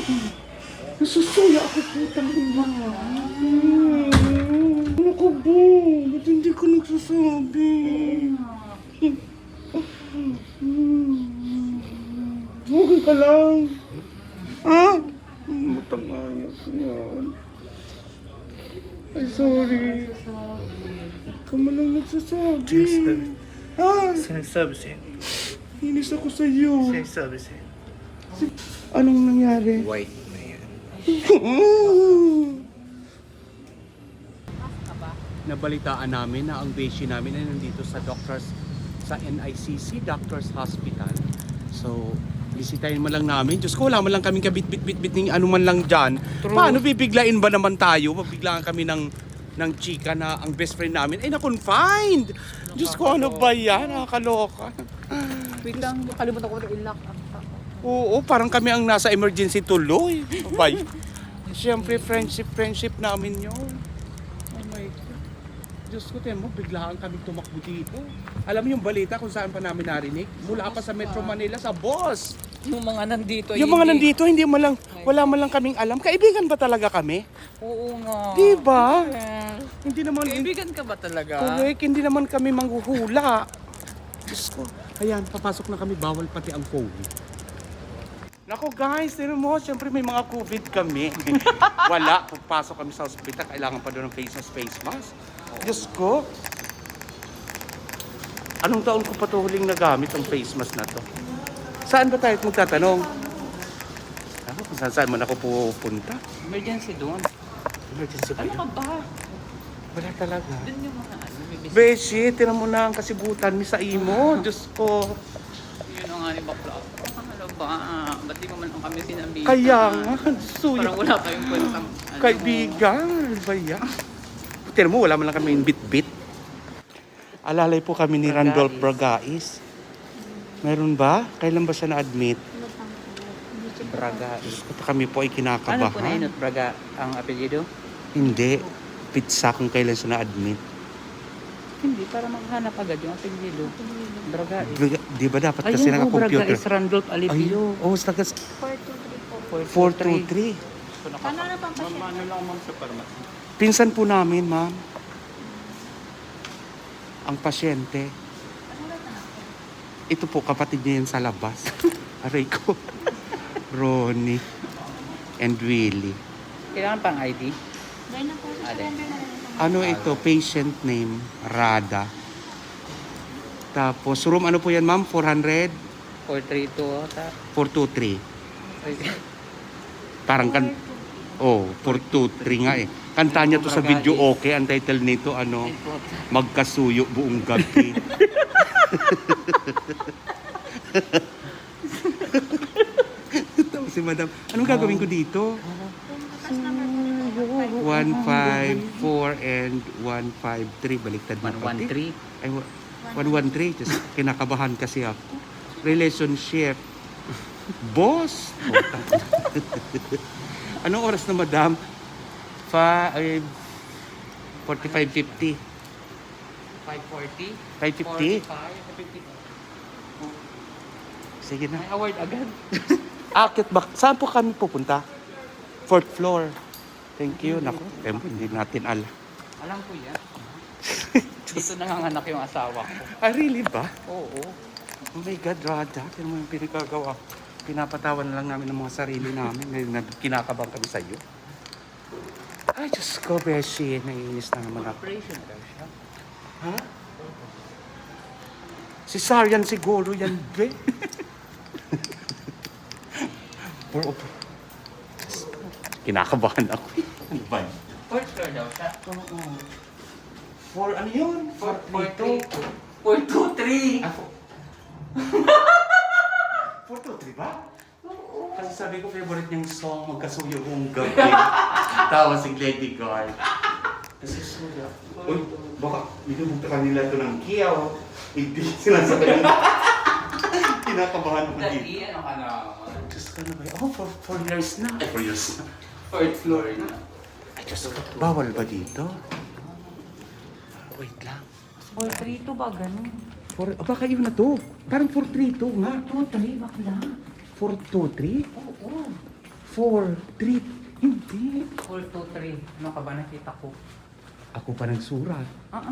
Nasusuya ako, putang ina. Ano ko ba? Ba't hindi ko nagsasabi? Okay ka lang. Ha? Matangaya ko yan. Ay, sorry. Ka mo lang nagsasabi. Ha? Sinasabi sa'yo. Inis ako sa'yo. Sinasabi sa'yo. Anong nangyari? White na yan. Nabalitaan namin na ang beshi namin ay nandito sa NICC Doctors Hospital. So, bisitahin man lang namin. Diyos ko, wala man lang kaming kabit-bit-bit ng ano man lang dyan. True. Paano bibiglain ba naman tayo? Mabiglaan kami ng chika na ang best friend namin ay na-confined. Diyos ko, ano ba yan? Nakakaloka. Wait lang, kalimutan ko na i-lock up. Oo, parang kami ang nasa emergency tuloy. Bye. Siyempre, friendship namin yun. Oh my God. Diyos ko, tiyan mo, biglaan kami tumakbo dito. Alam mo yung balita kung saan pa namin narinig? Mula pa sa Metro Manila, sa boss. Yung mga nandito, Yung mga nandito, wala man lang kaming alam. Kaibigan ba talaga kami? Oo nga. Diba? Hindi naman, Kaibigan ka ba talaga? correct, hindi naman kami manghuhula. Diyos ko. Ayan, papasok na kami, bawal pati ang COVID. Nako guys, tinan mo, siyempre may mga COVID kami. Wala, pagpasok kami sa ospital, kailangan pa doon ng face mask. Diyos ko. Anong taon ko pa ito huling nagamit ang face mask na to? Saan ba tayo magtatanong? Ako, kung saan man ako pupunta? Emergency doon. Emergency ba Ano yun? ka ba? Wala talaga. Doon yung mga ano, may business. Beshi, tinan mo na ang kasibutan mi sa imo. Diyos ko. Yun ang nga ni Bakla. Ano ba? Ba't di mo man lang kami sinabi? Kaya nga, suyo. Parang wala tayong kwentang Kaibigan, ano ba yan? Tinan mo, wala man lang kami bit-bit. Alalay po kami ni Randolph Bragais. Meron ba? Kailan ba siya na-admit? Braga. Kami po ay Ano po na kinakabahan. yun? Braga ang apelyido? Hindi. Pizza kung kailan siya na-admit. Hindi, para maghanap agad yung apelyido. Braga. Di ba dapat Ayun kasi po, Braga naka-computer? is Randolph Alipio. Oh, tagas 423. 423. Ano na pang pasyente? Ano lang ma'am sa pharmacy? Pinsan po namin, ma'am. Ang pasyente. Ito po, kapatid niya yan sa labas. Aray ko. Ronnie and Willie. Kailangan pang ID? Dahil na po, surrender na lang ito. Ano ito? Patient name, Rada. Tapos, room ano po yan, ma'am? 400? 432 ata. 423. Parang 423 nga eh. Kanta niya to sa video, okay. Ang title nito, ano, Magkasuyo buong gabi. Tapos si madam, anong gagawin ko dito? 154 and 153. Baliktad na pati. 113. Ay, 113. Just kinakabahan kasi ako. Relationship. Boss! Anong oras na, madam? 45:50. 540? 5:50? 45? Sige na. May award agad. Akit ba? Saan po kami pupunta? 4th floor. Thank you. Naku, hindi natin alam. Alam ko yan. Dito nanganganak yung asawa ko. Ah, really ba? Oo. Oh my God, Rada. Kaya mo yung pinagagawa. Pinapatawan na lang namin ng mga sarili namin. Kinakabang kami sa iyo. Ay, Diyos ko, Beshi. Naiinis na naman ako. Operation daw siya. Ha? Cesarean siguro yan, be. Kinakabahan ako. Ano ba? Fourth floor daw siya. Oo. For ano yun? 423. 423 ba? Oo. Kasi sabi ko, favorite niyang song, Magkasuyo buong gabi. Tawa si Lady Guard. Kasi suya. Uy, baka binubukta kanila ito ng kiyaw. Hindi sinasabi nila. Kinakabahan ako dito. Dali, ano ka na? Diyos ko na ba yun? Oh, for years na. Ay, 4 years na. Fourth floor na. Ay, Diyos ko. Bawal ba dito? Wait lang. 432 ba ganun? Baka yun na to. Parang 432 nga. 423 bakla. 423? Oo. 4, 3. Hindi. 4, 2, 3. Ano ka ba nakita ko? Ako pa nagsurat.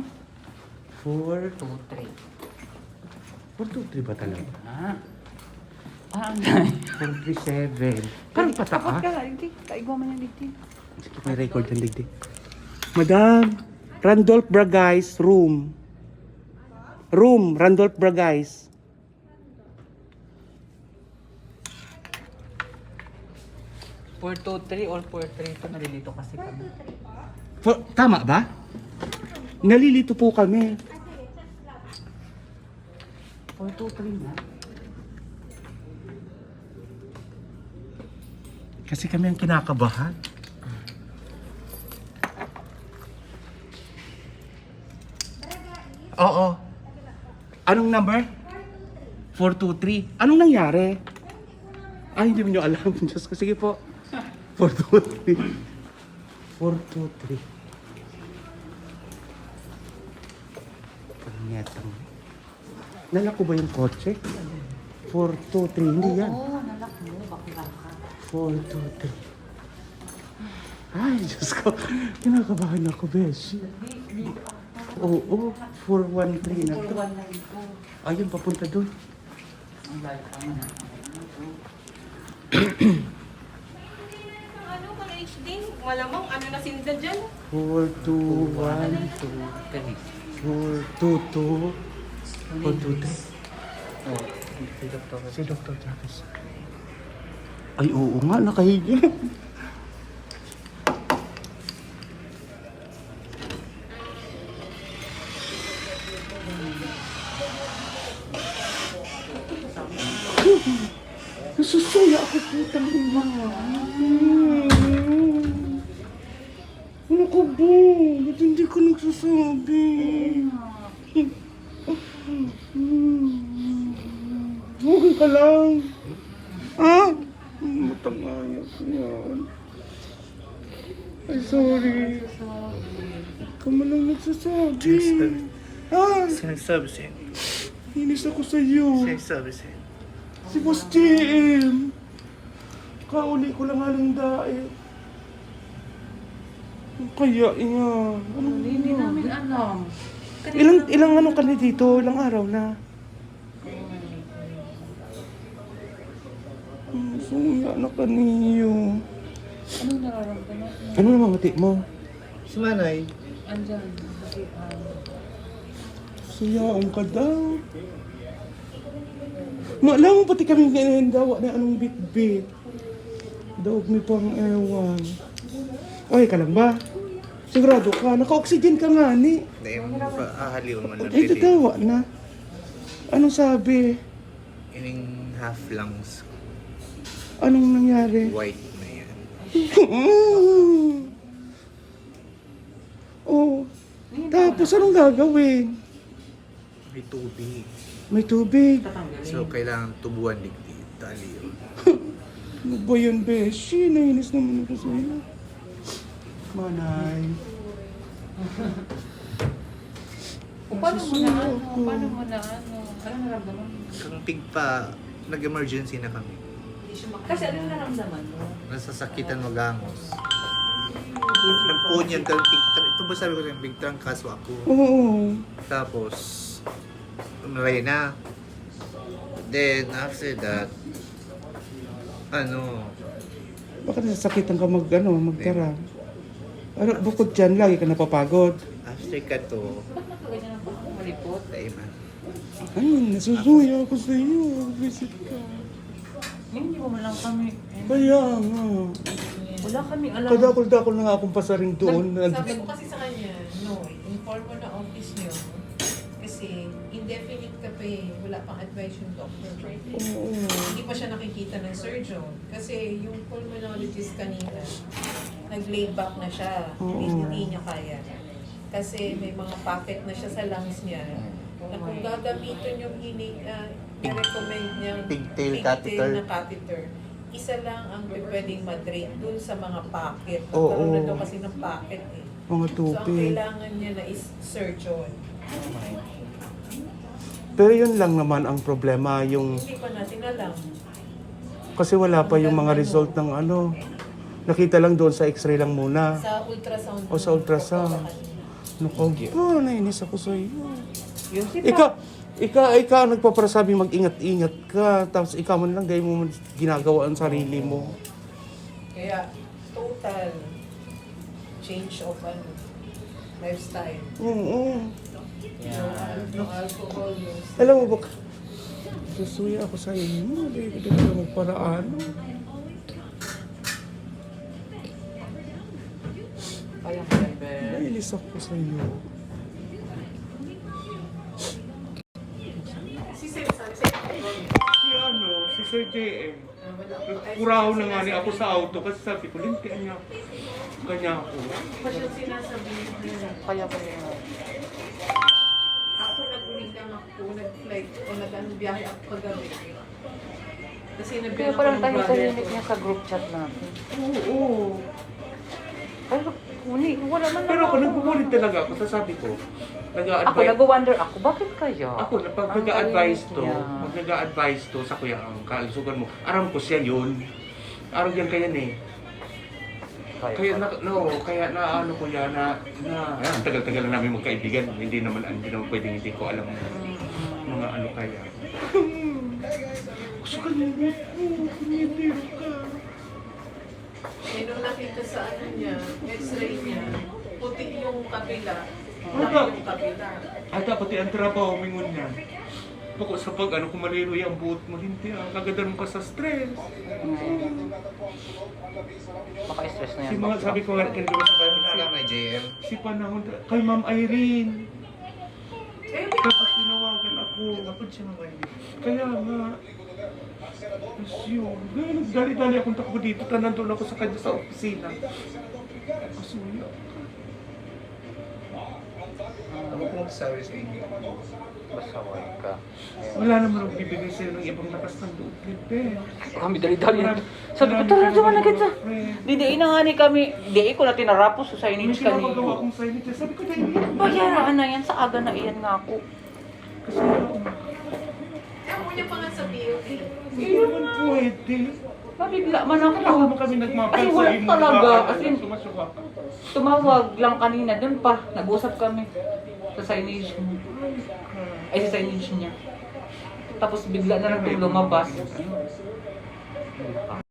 4, 2, 3. 4, 2, 3 ba talaga? Ang dami. 4, 3, 7. Parang pataas. Hindi. Kaigwa man yan dito. Sige, may record yan, digdig. Madam, Randolph Bragais, room. Room, Randolph Bragais. Four, 2, 3 or 4, 3. Ito nalilito kasi kami. Tama ba? Nalilito po kami. 4, 2, 3 na. Kasi kami ang kinakabahan. Oo. Anong number? 423. Anong nangyari? Ay, hindi mo nyo alam. Diyos ko. Sige po. 423. 423. Pangitang. Nalak ko ba yung kotse? 423. Hindi yan. Oo, nalak mo. Bakla ka. 423. Ay, Diyos ko. Kinakabahan ako, Beshi. Oo, 413 na to. 4, 1 na ito. Ayun, papunta doon. Ang layo ka na. Ano ka HD? Malamang ano na sinda dyan? 421, 422, 423. Oh, si Dr. Si Dr. Travis. Ay, oo nga, nakahiga. Nasusuya ako, putang ina. Ano ko ba? Ba't hindi ko nagsasabi? Okay ka lang. Ha? Matangayas yan. Ay, sorry. Ikaw mo lang nagsasabi. Ha? Sinasabi sa'yo. Inis ako sa'yo. Sinasabi sa'yo. Si Boss JM. Kauli ko lang halang daet. Ang kaya niya. Ano Hindi namin alam. Ilang ano ka na dito? Ilang araw na? Suya na ka niyo. Anong nararamdaman mo? Ano naman mati mo? Si Manay, Andyan. Suyaan ka daw. Maalam mo pati kami kinahindawa na anong bit-bit. Daog mi pang ewan. Okay ka lang ba? Sigurado ka? Naka-oxygen ka nga ni. dahil paahaliw man lang Ay, tatawa na. Anong sabi? Ining half lungs, Anong nangyari? white na yan. Oh. Tapos anong gagawin? May tubig. May tubig. So, kailangan tubuan digdi. Tali yun. Ano ba yun, Beshi? Nainis naman ako sa'yo. Manay. Paano mo na ano? Paano mo na ano? Anong nararamdaman mo? Kung tigpa, nag-emergency na kami. Kasi anong nararamdaman mo? Nasasakitan magangos. Nagpunyag ka ng big trunk. Ito ba sabi ko sa'yo, big trunk kaso ako. Oo. Tapos, umaray na. Then, after that, Bakit nasasakitan ka magtara? Ano, bukod dyan, lagi ka napapagod. after ka to, Ba't nakaganyan ang baka malipot? taiman. Ay, nasusuya ako sa iyo. Visit ka. Hindi mo man lang kami. Kaya nga. Wala kami alam. Kadakol-dakol na nga akong pasaring doon. Sabi ko kasi sa kanya, no, inform mo na office niyo. Kasi indefinite ka pa eh, wala pang advice yung doctor. Oo. Hindi pa siya nakikita ng surgeon. Kasi yung pulmonologist kanina, nag-lay back na siya. Hindi niya kaya. Kasi may mga pocket na siya sa lungs niya. Na kung gagamitin yung i-recommend niyang Pigtail catheter. na catheter, isa lang ang pwedeng madrain dun sa mga pocket. Oo. Magkaroon na daw kasi ng pocket eh. Mga So, ang tubig. kailangan niya na is surgeon. Pero yun lang naman ang problema, yung Hindi pa natin alam. Kasi wala pa yung mga result ng ano. Nakita lang doon sa x-ray lang muna. Sa ultrasound. O sa ultrasound. Naku, nainis ako sa iyo. Yun si Ikaw ang nagpapasabi mag-ingat-ingat ka. Tapos ikaw man lang, gaya mo ginagawa ang sarili mo. Kaya, total change of lifestyle. Oo. No alcohol, no Alam mo ba, susuya ako sa inyo. Hindi ka na magparaan. Kaya mo yan, be. Nainis ako sa iyo. Si Sir Si Sir JM. Kuraho na nga niya ako sa auto kasi sabi ko, lintian niya ako. Ganyan ako. pa siya sinasabihin niya. Kaya mo yan. Ako nag-uwi lang ako, nag-flight o nag-biyahe ako kagabi. Kasi Kaya nabiyan ako parang ng tayo brother tahimik ko. niya sa group chat natin. Oo. Pero, wala man Pero ako, nagbubulit talaga ako. Sasabi ko, Ako, nag-wonder ako, bakit kaya? Ako, pag Ang nag-a-advise galing to, niya. pag nag-a-advise to sa kuya ang kalusugan mo, aram ko siya yun. Aram yan kaya eh. Kaya na ano ko yan ang tagal-tagal na namin magkaibigan. Hindi naman pwedeng hindi ko alam mga ano kaya. Gusto ka niya, kumitiro ka. Eh, nung nakita sa ano niya, x-ray niya, puti yung kabila. Ano? Laki yung kabila. Ay, dapat ang trabaho mingon niya. Bako sa pag ano kumaliroy ang buhot mo, hindi kagadan ka sa stress. Maka-stress na yan. Si mga sabi ko nga kanina sa bayan Alam na JM. si panahon kay Ma'am Irene. Eh, Tapos tinawagan ako. Kapag siya naman yun. Kaya nga, tapos yun. Dali-dali akong takbo dito. Nandun ako sa kanya sa opisina. Kasuya. Ano ko magsasabi sa inyo? Basaway ka. Wala naman magbibigay sa'yo ng ibang lakas ng loob. Lipe. Kami dali-dali. Sabi ko, tara, sama na kita. Di na nga ni kami, di ko na tinarapos sa May signage ginagawa kanino. akong silent. Sabi ko, dahil Bayaraan na yan, sa aga na iyan nga ako. kasi ako. mo niya pa nga sa BOD. Hindi naman pwede. Nabigla man ako. Kailangan mo kami nagmapal Kasi sa wala imo. talaga. As in, Sumasuka ka. tumawag lang kanina, dun pa. Nag-usap kami sa signage mo. Ay, sa signage niya. Tapos bigla na lang lumabas.